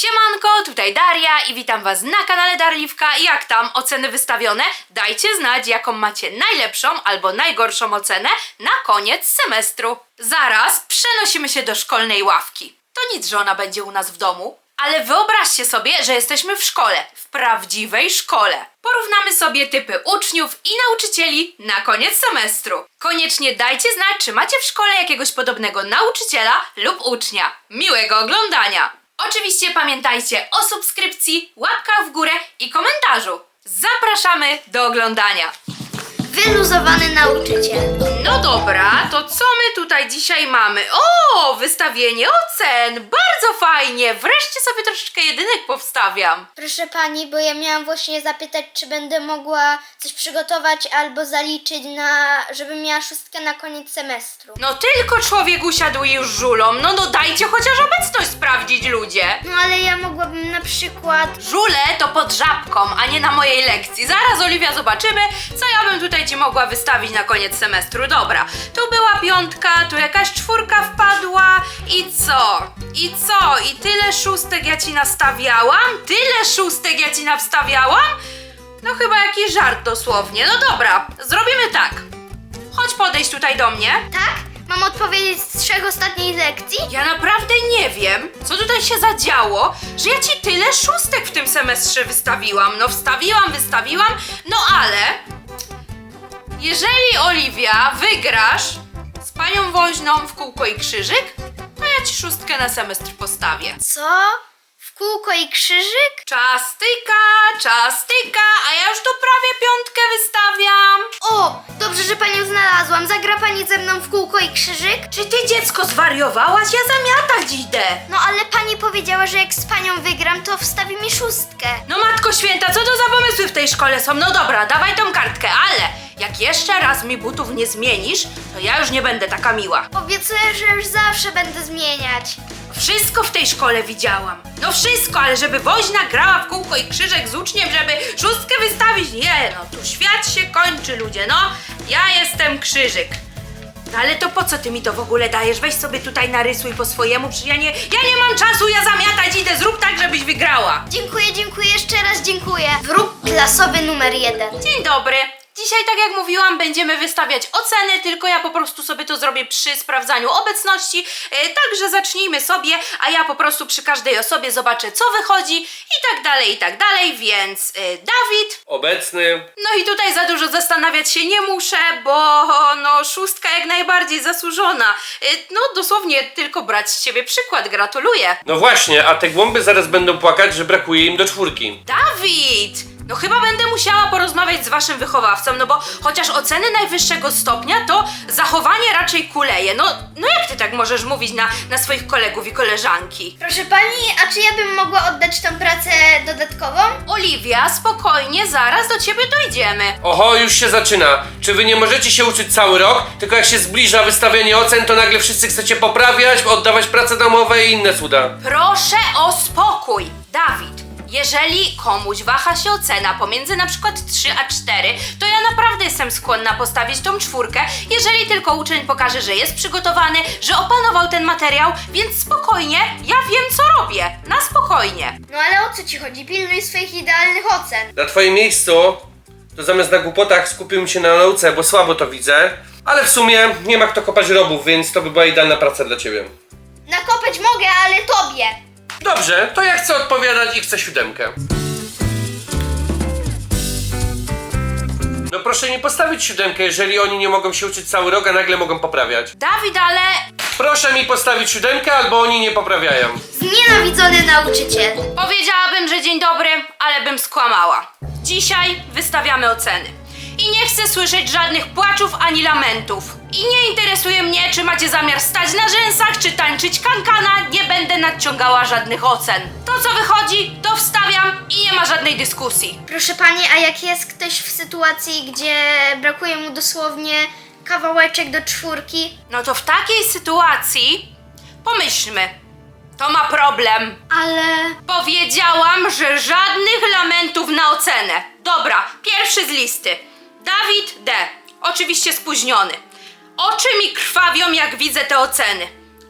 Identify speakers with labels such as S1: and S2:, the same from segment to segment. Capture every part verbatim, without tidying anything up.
S1: Siemanko, tutaj Daria i witam was na kanale Darliwka. Jak tam oceny wystawione? Dajcie znać, jaką macie najlepszą albo najgorszą ocenę na koniec semestru. Zaraz przenosimy się do szkolnej ławki. To nic, że ona będzie u nas w domu, ale wyobraźcie sobie, że jesteśmy w szkole, w prawdziwej szkole. Porównamy sobie typy uczniów i nauczycieli na koniec semestru. Koniecznie dajcie znać, czy macie w szkole jakiegoś podobnego nauczyciela lub ucznia. Miłego oglądania! Oczywiście pamiętajcie o subskrypcji, łapkach w górę i komentarzu. Zapraszamy do oglądania.
S2: Wyluzowany nauczyciel.
S1: No dobra, to co my tutaj dzisiaj mamy? O, wystawienie ocen! Bardzo fajnie! Wreszcie sobie troszeczkę jedynek powstawiam.
S2: Proszę pani, bo ja miałam właśnie zapytać, czy będę mogła coś przygotować albo zaliczyć na, żebym miała szóstkę na koniec semestru.
S1: No tylko człowiek usiadł i już żulą. No no dajcie chociaż obecność sprawdzić, ludzie.
S2: No ale ja mogłabym na przykład...
S1: Żule to pod żabką, a nie na mojej lekcji. Zaraz, Oliwia, zobaczymy, co ja bym tutaj ci mogła wystawić na koniec semestru. Dobra, tu była piątka, tu jakaś czwórka wpadła i co? I co? I tyle szóstek ja ci nastawiałam? Tyle szóstek ja ci nastawiałam? No chyba jakiś żart dosłownie. No dobra, zrobimy tak. Chodź podejść tutaj do mnie.
S2: Tak? Mam odpowiedzieć z trzech ostatniej lekcji?
S1: Ja naprawdę nie wiem, co tutaj się zadziało, że ja ci tyle szóstek w tym semestrze wystawiłam. No wstawiłam, wystawiłam, no ale... Jeżeli, Oliwia, wygrasz z panią Woźną w kółko i krzyżyk, to ja ci szóstkę na semestr postawię.
S2: Co? W kółko i krzyżyk?
S1: Czas tyka, czas tyka, a ja już tu prawie piątkę wystawiam.
S2: O, dobrze, że panią znalazłam. Zagra pani ze mną w kółko i krzyżyk?
S1: Czy ty, dziecko, zwariowałaś? Ja zamiatać idę.
S2: No ale pani powiedziała, że jak z panią wygram, to wstawi mi szóstkę.
S1: No matko święta, co to za pomysły w tej szkole są? No dobra, dawaj tą kartkę, ale jak jeszcze raz mi butów nie zmienisz, to ja już nie będę taka miła.
S2: Obiecuję, że już zawsze będę zmieniać.
S1: Wszystko w tej szkole widziałam. No wszystko, ale żeby Woźna grała w kółko i krzyżek z uczniem, żeby szóstkę wystawić, nie, no tu świat się kończy, ludzie, no. Ja jestem krzyżyk. No ale to po co ty mi to w ogóle dajesz? Weź sobie tutaj narysuj po swojemu, przecież ja nie, ja nie mam czasu, ja zamiatać idę, zrób tak, żebyś wygrała.
S2: Dziękuję, dziękuję, jeszcze raz dziękuję. Wróg klasowy numer jeden.
S1: Dzień dobry. Dzisiaj, tak jak mówiłam, będziemy wystawiać oceny, tylko ja po prostu sobie to zrobię przy sprawdzaniu obecności, yy, także zacznijmy sobie, a ja po prostu przy każdej osobie zobaczę, co wychodzi i tak dalej, i tak dalej, więc yy, Dawid.
S3: Obecny.
S1: No i tutaj za dużo zastanawiać się nie muszę, bo no szóstka jak najbardziej zasłużona. Yy, no dosłownie tylko brać z ciebie przykład, gratuluję.
S3: No właśnie, a te głąby zaraz będą płakać, że brakuje im do czwórki.
S1: Dawid! No chyba będę musiała porozmawiać z waszym wychowawcą, no bo chociaż oceny najwyższego stopnia, to zachowanie raczej kuleje. No, no jak ty tak możesz mówić na, na swoich kolegów i koleżanki?
S2: Proszę pani, a czy ja bym mogła oddać tą pracę dodatkową?
S1: Oliwia, spokojnie, zaraz do ciebie dojdziemy.
S3: Oho, już się zaczyna. Czy wy nie możecie się uczyć cały rok, tylko jak się zbliża wystawienie ocen, to nagle wszyscy chcecie poprawiać, oddawać prace domowe i inne cuda?
S1: Proszę o spokój, Dawid. Jeżeli komuś waha się ocena pomiędzy na przykład trzy a cztery, to ja naprawdę jestem skłonna postawić tą czwórkę, jeżeli tylko uczeń pokaże, że jest przygotowany, że opanował ten materiał, więc spokojnie, ja wiem co robię, na spokojnie.
S2: No ale o co ci chodzi? Pilnuj swoich idealnych ocen.
S3: Na twoim miejscu, to zamiast na głupotach skupiłbym się na nauce, bo słabo to widzę. Ale w sumie nie ma kto kopać robów, więc to by była idealna praca dla ciebie.
S2: Nakopać mogę, ale tobie.
S3: Dobrze, to ja chcę odpowiadać i chcę siódemkę. No proszę mi postawić siódemkę, jeżeli oni nie mogą się uczyć cały rok, a nagle mogą poprawiać.
S1: Dawid, ale...
S3: Proszę mi postawić siódemkę, albo oni nie poprawiają.
S2: Znienawidzony nauczyciel.
S1: Powiedziałabym, że dzień dobry, ale bym skłamała. Dzisiaj wystawiamy oceny. I nie chcę słyszeć żadnych płaczów ani lamentów. I nie interesuje mnie, czy macie zamiar stać na rzęsach, czy tańczyć kankana. Nie będę nadciągała żadnych ocen. To, co wychodzi, to wstawiam i nie ma żadnej dyskusji.
S2: Proszę pani, a jak jest ktoś w sytuacji, gdzie brakuje mu dosłownie kawałeczek do czwórki?
S1: No to w takiej sytuacji pomyślmy. To ma problem.
S2: Ale...
S1: Powiedziałam, że żadnych lamentów na ocenę. Dobra, pierwszy z listy. Dawid D. Oczywiście spóźniony. Oczy mi krwawią, jak widzę te oceny.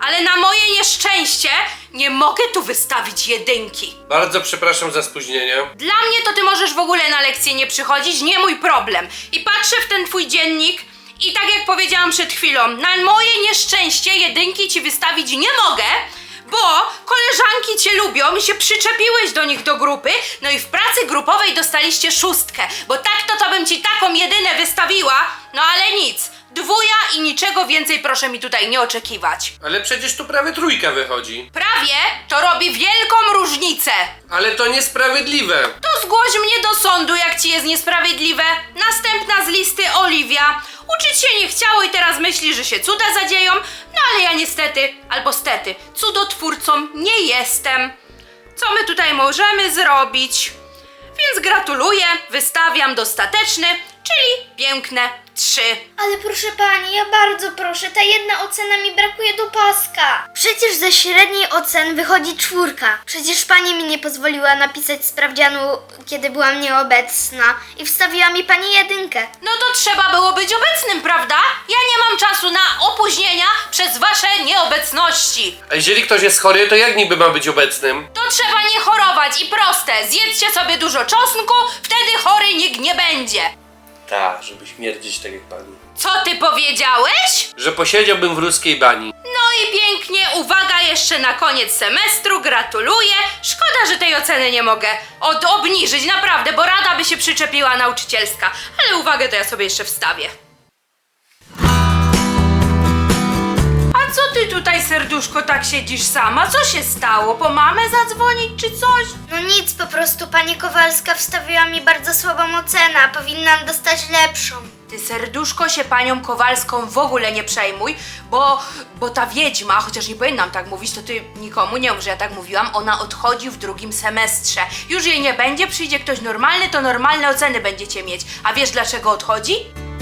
S1: ale na moje nieszczęście nie mogę tu wystawić jedynki.
S3: Bardzo przepraszam za spóźnienie.
S1: Dla mnie to ty możesz w ogóle na lekcje nie przychodzić, nie mój problem. I patrzę w ten twój dziennik i tak jak powiedziałam przed chwilą, na moje nieszczęście jedynki ci wystawić nie mogę, bo koleżanki cię lubią i się przyczepiłeś do nich do grupy, no i w pracy grupowej dostaliście szóstkę, bo tak to to bym ci taką jedynę wystawiła, no ale nic. Dwuja i niczego więcej proszę mi tutaj nie oczekiwać.
S3: Ale przecież tu prawie trójka wychodzi.
S1: Prawie to robi wielką różnicę.
S3: Ale to niesprawiedliwe.
S1: To zgłoś mnie do sądu, jak ci jest niesprawiedliwe. Następna z listy Oliwia. Uczyć się nie chciało i teraz myśli, że się cuda zadzieją. No ale ja niestety, albo stety, cudotwórcą nie jestem. Co my tutaj możemy zrobić? Więc gratuluję, wystawiam dostateczny, czyli piękne trzy.
S2: Ale proszę pani, ja bardzo proszę, ta jedna ocena mi brakuje do paska. Przecież ze średniej ocen wychodzi czwórka. Przecież pani mi nie pozwoliła napisać sprawdzianu, kiedy byłam nieobecna i wstawiła mi pani jedynkę.
S1: No to trzeba było być obecnym, prawda? Ja nie mam czasu na opóźnienia przez wasze nieobecności.
S3: A jeżeli ktoś jest chory, to jak niby ma być obecnym?
S1: To trzeba nie chorować i proste. Zjedzcie sobie dużo czosnku, wtedy chory nikt nie będzie.
S3: Tak, żeby śmierdzić tak jak pani.
S1: Co ty powiedziałeś?
S3: Że posiedziałbym w ruskiej bani.
S1: No i pięknie, uwaga, jeszcze na koniec semestru, gratuluję. Szkoda, że tej oceny nie mogę od obniżyć, naprawdę, bo rada by się przyczepiła nauczycielska. Ale uwagę to ja sobie jeszcze wstawię. A co ty tutaj, serduszko, tak siedzisz sama? Co się stało? Po mamę zadzwonić czy coś?
S2: No nic, po prostu pani Kowalska wstawiła mi bardzo słabą ocenę, a powinnam dostać lepszą.
S1: Ty, serduszko, się panią Kowalską w ogóle nie przejmuj, bo, bo ta wiedźma, chociaż nie powinnam tak mówić, to ty nikomu nie mów, że ja tak mówiłam, ona odchodzi w drugim semestrze. Już jej nie będzie, przyjdzie ktoś normalny, to normalne oceny będziecie mieć. A wiesz dlaczego odchodzi?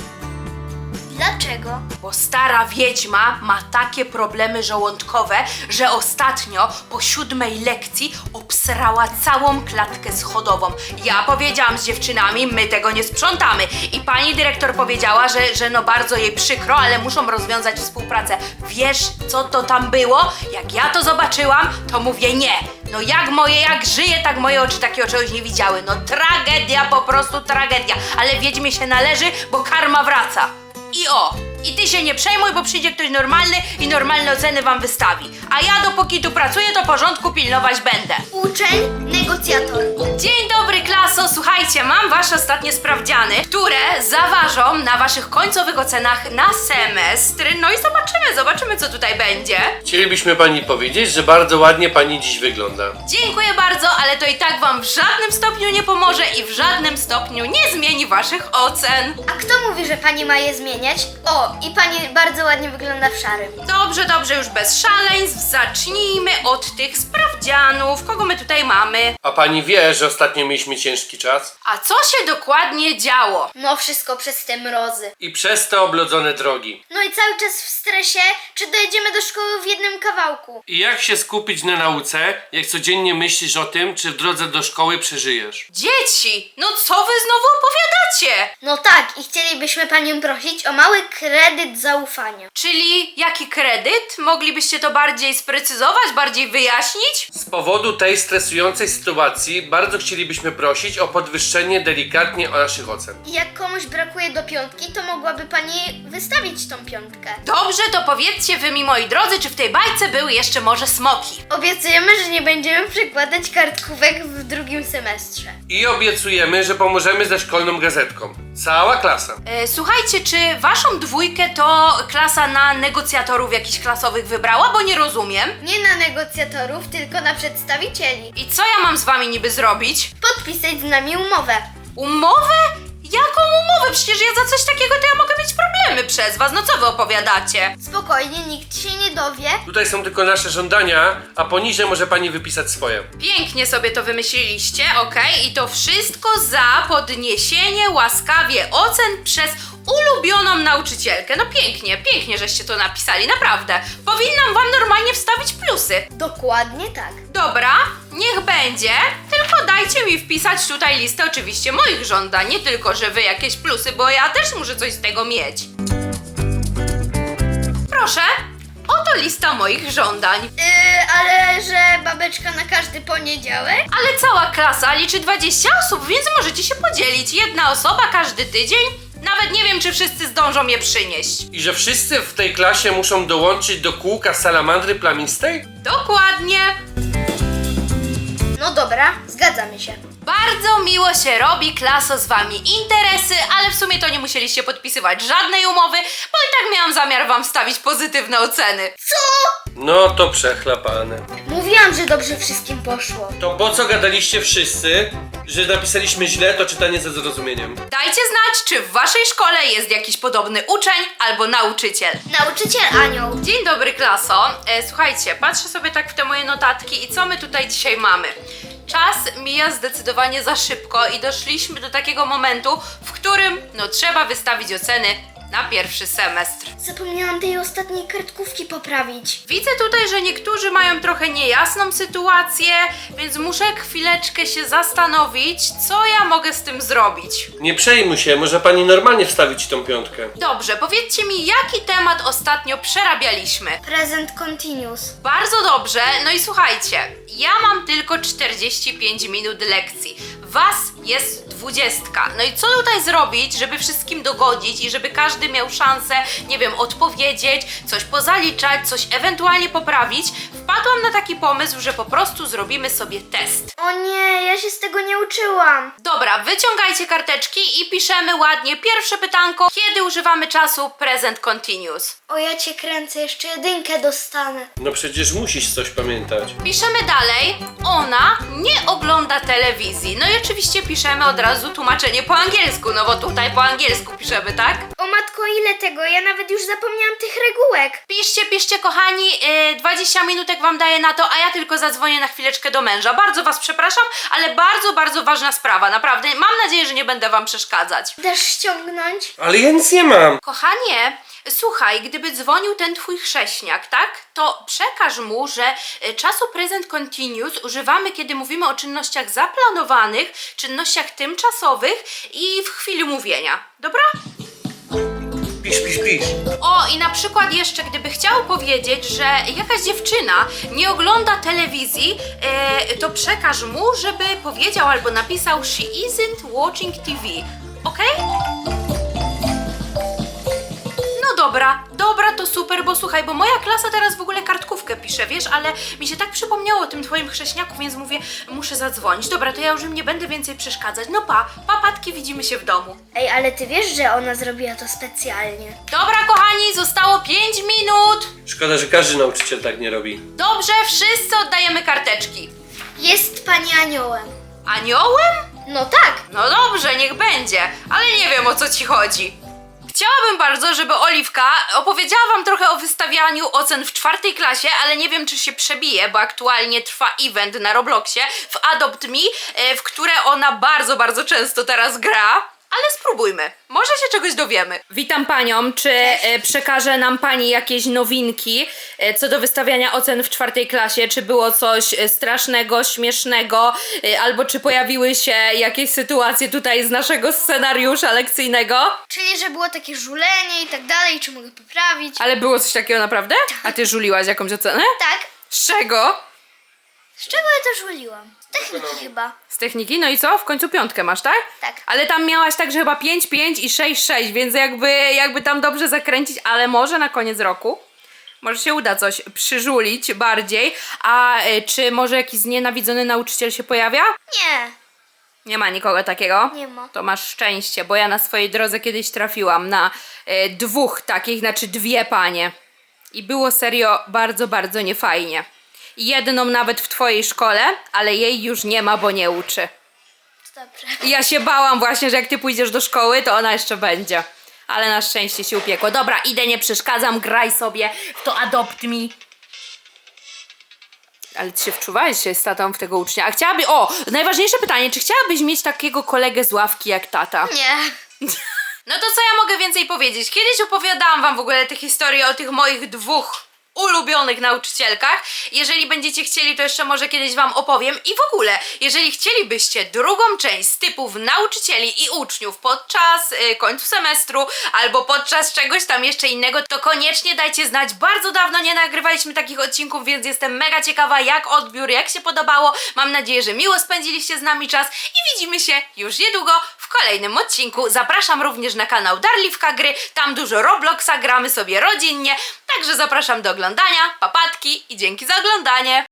S2: Dlaczego?
S1: Bo stara wiedźma ma takie problemy żołądkowe, że ostatnio po siódmej lekcji obsrała całą klatkę schodową. Ja powiedziałam z dziewczynami, my tego nie sprzątamy. I pani dyrektor powiedziała, że, że no bardzo jej przykro, ale muszą rozwiązać współpracę. Wiesz, co to tam było? Jak ja to zobaczyłam, to mówię nie. No jak moje, jak żyje, tak moje oczy takiego czegoś nie widziały. No tragedia, po prostu tragedia. Ale wiedźmie się należy, bo karma wraca. I o, i ty się nie przejmuj, bo przyjdzie ktoś normalny i normalne oceny wam wystawi. A ja dopóki tu pracuję, to porządku pilnować będę.
S2: Uczeń, negocjator.
S1: Dzień dobry, klaso! Słuchajcie, mam wasze ostatnie sprawdziany, które zaważą na waszych końcowych ocenach na semestr. No i zobaczymy, zobaczymy co tutaj będzie.
S3: Chcielibyśmy pani powiedzieć, że bardzo ładnie pani dziś wygląda.
S1: Dziękuję bardzo, ale to i tak wam w żadnym stopniu nie pomoże i w żadnym stopniu nie zmieni waszych ocen.
S2: A kto mówi, że pani ma je zmieniać? O, i pani bardzo ładnie wygląda w szarym.
S1: Dobrze, dobrze, już bez szaleństw. Zacznijmy od tych sprawdzianów. Kogo my tutaj mamy?
S3: A pani wie, że ostatnio mieliśmy ciężki czas?
S1: A co się dokładnie działo?
S2: No wszystko przez te mrozy.
S3: I przez te oblodzone drogi.
S2: No i cały czas w stresie, czy dojedziemy do szkoły w jednym kawałku.
S3: I jak się skupić na nauce, jak codziennie myślisz o tym, czy w drodze do szkoły przeżyjesz?
S1: Dzieci, no co wy znowu opowiadacie?
S2: No tak, i chcielibyśmy panią prosić o mały kredyt zaufania.
S1: Czyli jaki kredyt? Moglibyście to bardziej sprecyzować, bardziej wyjaśnić?
S3: Z powodu tej stresującej sytuacji bardzo chcielibyśmy prosić o podwyższenie delikatnie o naszych ocen.
S2: I jak komuś brakuje do piątki, to mogłaby pani wystawić tą piątkę.
S1: Dobrze, to powiedzcie wy mi, moi drodzy, czy w tej bajce były jeszcze może smoki?
S2: Obiecujemy, że nie będziemy przykładać kartkówek w drugim semestrze.
S3: I obiecujemy, że pomożemy ze szkolną gazetką. Cała klasa.
S1: E, słuchajcie, czy waszą dwójkę to klasa na negocjatorów jakichś klasowych wybrała? Bo nie rozumiem.
S2: Nie na negocjatorów, tylko na przedstawicieli.
S1: I co ja mam z wami niby zrobić?
S2: Podpisać z nami umowę.
S1: Umowę? Jaką umowę? Przecież ja za coś takiego to ja mogę mieć problemy przez was. No co wy opowiadacie?
S2: Spokojnie, nikt się nie dowie.
S3: Tutaj są tylko nasze żądania, a poniżej może pani wypisać swoje.
S1: Pięknie sobie to wymyśliliście, okej? I to wszystko za podniesienie łaskawie ocen przez ulubioną nauczycielkę. No pięknie, pięknie żeście to napisali, naprawdę. Powinnam wam normalnie wstawić plusy.
S2: Dokładnie tak.
S1: Dobra, niech będzie, tylko dajcie mi wpisać tutaj listę oczywiście moich żądań, nie tylko, że wy jakieś plusy, bo ja też muszę coś z tego mieć. Proszę, oto Oto lista moich żądań.
S2: Yy, ale że babeczka na każdy poniedziałek?
S1: Ale cała klasa liczy dwadzieścia osób, więc możecie się podzielić. Jedna osoba każdy tydzień. Nawet nie wiem, czy wszyscy zdążą je przynieść.
S3: I że wszyscy w tej klasie muszą dołączyć do kółka salamandry plamistej?
S1: Dokładnie.
S2: No dobra, zgadzamy się.
S1: Bardzo miło się robi, klaso, z wami interesy, ale w sumie to nie musieliście podpisywać żadnej umowy, bo i tak miałam zamiar wam wstawić pozytywne oceny.
S3: No to przechlapane.
S2: Mówiłam, że dobrze wszystkim poszło.
S3: To po co gadaliście wszyscy, że napisaliśmy źle to czytanie ze zrozumieniem?
S1: Dajcie znać, czy w waszej szkole jest jakiś podobny uczeń albo nauczyciel.
S2: Nauczyciel Anioł.
S1: Dzień dobry, klaso. E, słuchajcie, patrzę sobie tak w te moje notatki i co my tutaj dzisiaj mamy? Czas mija zdecydowanie za szybko i doszliśmy do takiego momentu, w którym no trzeba wystawić oceny na pierwszy semestr.
S2: Zapomniałam tej ostatniej kartkówki poprawić.
S1: Widzę tutaj, że niektórzy mają trochę niejasną sytuację, więc muszę chwileczkę się zastanowić, co ja mogę z tym zrobić.
S3: Nie przejmuj się, może pani normalnie wstawić tą piątkę.
S1: Dobrze, powiedzcie mi, jaki temat ostatnio przerabialiśmy?
S2: Present continuous.
S1: Bardzo dobrze, no i słuchajcie, ja mam tylko czterdzieści pięć minut lekcji, was jest dwudziestka. No i co tutaj zrobić, żeby wszystkim dogodzić i żeby każdy miał szansę, nie wiem, odpowiedzieć, coś pozaliczać, coś ewentualnie poprawić? Wpadłam na taki pomysł, że po prostu zrobimy sobie test.
S2: O nie, ja się z tego nie uczyłam.
S1: Dobra, wyciągajcie karteczki i piszemy ładnie pierwsze pytanko, kiedy używamy czasu present continuous.
S2: O, ja cię kręcę, jeszcze jedynkę dostanę.
S3: No przecież musisz coś pamiętać.
S1: Piszemy dalej, ona nie ogląda telewizji. No i oczywiście piszemy od razu tłumaczenie po angielsku, no bo tutaj po angielsku piszemy, tak?
S2: O matko, ile tego? Ja nawet już zapomniałam tych regułek.
S1: Piszcie, piszcie kochani, yy, dwadzieścia minutek wam daję na to, a ja tylko zadzwonię na chwileczkę do męża. Bardzo was przepraszam, ale bardzo, bardzo ważna sprawa, naprawdę. Mam nadzieję, że nie będę wam przeszkadzać.
S2: Dasz ściągnąć?
S3: Ale ja nic nie mam.
S1: Kochanie, słuchaj, gdyby dzwonił ten twój chrześniak, tak? To przekaż mu, że y, czasu present continuous używamy, kiedy mówimy o czynnościach zaplanowanych, czynnościach tymczasowych i w chwili mówienia. Dobra?
S3: Pisz, pisz, pisz.
S1: O, i na przykład jeszcze, gdyby chciał powiedzieć, że jakaś dziewczyna nie ogląda telewizji, e, to przekaż mu, żeby powiedział albo napisał she isn't watching T V. Okej? No dobra, dobra, to super, bo słuchaj, bo moja klasa teraz w ogóle kartkówkę pisze, wiesz, ale mi się tak przypomniało o tym twoim chrześniaku, więc mówię, muszę zadzwonić. Dobra, to ja już im nie będę więcej przeszkadzać. No pa, papatki, widzimy się w domu.
S2: Ej, ale ty wiesz, że ona zrobiła to specjalnie.
S1: Dobra, kochani, zostało pięć minut.
S3: Szkoda, że każdy nauczyciel tak nie robi.
S1: Dobrze, wszyscy oddajemy karteczki.
S2: Jest pani aniołem.
S1: Aniołem?
S2: No tak.
S1: No dobrze, niech będzie, ale nie wiem, o co ci chodzi. Chciałabym bardzo, żeby Oliwka opowiedziała wam trochę o wystawianiu ocen w czwartej klasie, ale nie wiem, czy się przebije, bo aktualnie trwa event na Robloxie w Adopt Me, e, w które ona bardzo, bardzo często teraz gra. Ale spróbujmy. Może się czegoś dowiemy. Witam panią. Czy e, przekaże nam pani jakieś nowinki e, co do wystawiania ocen w czwartej klasie? Czy było coś e, strasznego, śmiesznego? E, albo czy pojawiły się jakieś sytuacje tutaj z naszego scenariusza lekcyjnego?
S2: Czyli, że było takie żulenie i tak dalej, czy mogę poprawić?
S1: Ale było coś takiego naprawdę? A ty żuliłaś jakąś ocenę?
S2: Tak.
S1: Z czego?
S2: Z czego ja to żuliłam? Z techniki chyba.
S1: Z techniki? No i co? W końcu piątkę masz, tak?
S2: Tak.
S1: Ale tam miałaś także chyba pięć, pięć i sześć, sześć, więc jakby, jakby tam dobrze zakręcić, ale może na koniec roku może się uda coś przyżulić bardziej. A y, czy może jakiś znienawidzony nauczyciel się pojawia?
S2: Nie,
S1: Nie ma nikogo takiego?
S2: nie ma.
S1: To masz szczęście, bo ja na swojej drodze kiedyś trafiłam na y, dwóch takich, znaczy dwie panie. I było serio bardzo, bardzo niefajnie. Jedną nawet w twojej szkole, ale jej już nie ma, bo nie uczy.
S2: Dobrze.
S1: I ja się bałam właśnie, że jak ty pójdziesz do szkoły, to ona jeszcze będzie. Ale na szczęście się upiekło. Dobra, idę, nie przeszkadzam, graj sobie w to Adopt Me. Ale ty się wczuwałeś się z tatą w tego ucznia. A chciałaby... O, najważniejsze pytanie, czy chciałabyś mieć takiego kolegę z ławki jak tata?
S2: Nie.
S1: No to co ja mogę więcej powiedzieć? Kiedyś opowiadałam wam w ogóle tę historię o tych moich dwóch ulubionych nauczycielkach. Jeżeli będziecie chcieli, to jeszcze może kiedyś wam opowiem. I w ogóle, jeżeli chcielibyście drugą część z typów nauczycieli i uczniów podczas y, końca semestru albo podczas czegoś tam jeszcze innego, to koniecznie dajcie znać. Bardzo dawno nie nagrywaliśmy takich odcinków, więc jestem mega ciekawa, jak odbiór, jak się podobało. Mam nadzieję, że miło spędziliście z nami czas i widzimy się już niedługo w kolejnym odcinku. Zapraszam również na kanał Darliwka Gry, tam dużo Robloxa gramy sobie rodzinnie, także zapraszam do oglądania, papatki i dzięki za oglądanie!